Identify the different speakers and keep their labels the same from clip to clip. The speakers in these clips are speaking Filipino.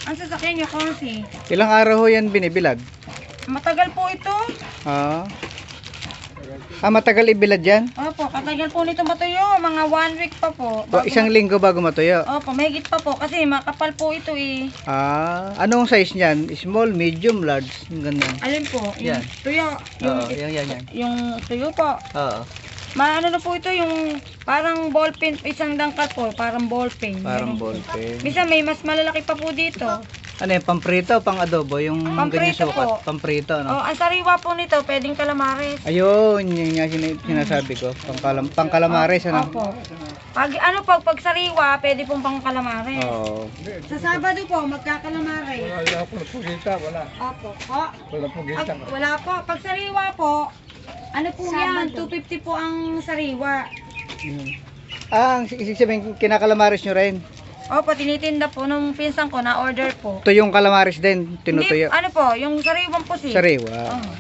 Speaker 1: Ang sasakyan niyo kasi.
Speaker 2: Ilang araw ho yan binibilad?
Speaker 1: Matagal po ito.
Speaker 2: Ah. Matagal ibilad yan?
Speaker 1: Opo, katagal po nito matuyo. Mga 1 week pa po.
Speaker 2: Isang linggo bago matuyo?
Speaker 1: Opo, mahigit pa po kasi makapal po ito eh.
Speaker 2: Anong size niyan? Small, medium, large? Yung ganun.
Speaker 1: Alin po? Yung
Speaker 2: Yan.
Speaker 1: tuyo. Yung,
Speaker 2: Oo, yan.
Speaker 1: yung tuyo po.
Speaker 2: Oo.
Speaker 1: Maano na po ito yung parang ballpen, isang dangkal po, parang ballpen.
Speaker 2: Parang
Speaker 1: Meron po.
Speaker 2: ballpen.
Speaker 1: Minsan may mas malalaki pa po dito.
Speaker 2: Ano yung pamprito o pang adobo? Yung ganyan
Speaker 1: Pamprito
Speaker 2: sukat?
Speaker 1: po.
Speaker 2: Pamprito, no?
Speaker 1: Oh, ang sariwa po nito, pwedeng calamares.
Speaker 2: Ayun, yun nga sinasabi ko. Pang calamares, ano?
Speaker 1: Opo. Pag sariwa, pwede pong pang calamares.
Speaker 2: Oo.
Speaker 1: Sa Sabado po, magkakalamares.
Speaker 3: Wala po po kita, wala.
Speaker 1: Opo. Po.
Speaker 3: Wala po kita.
Speaker 1: Wala po. Pag sariwa po, ano po yan? 250 po ang sariwa.
Speaker 2: Ang isig sabihin, kinakalamares nyo rin.
Speaker 1: Opo, tinitinda po nung pinsan ko na order po.
Speaker 2: Ito yung calamares din, tinutuyo.
Speaker 1: Hindi, ano po, yung sariwang pusi.
Speaker 2: Sariwa.
Speaker 1: Oh.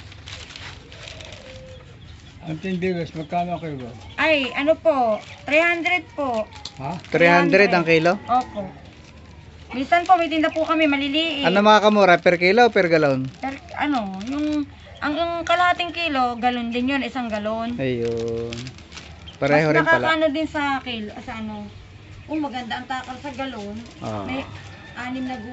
Speaker 3: Ang tindigas, magkano kayo ba?
Speaker 1: Ay, ano po, 300 po.
Speaker 3: Ha?
Speaker 2: 300 ang kilo.
Speaker 1: Opo. Minsan po, may tinda po kami maliliit.
Speaker 2: Ano mga kamura? Per kilo o per galon?
Speaker 1: Ano, yung kalahating kilo, galon din yun, isang galon.
Speaker 2: Ayun. Pareho rin
Speaker 1: Mas
Speaker 2: pala.
Speaker 1: nakakaano din sa kilo, sa ano. Maganda ang takal sa galon.
Speaker 2: Oo.
Speaker 1: May 6 na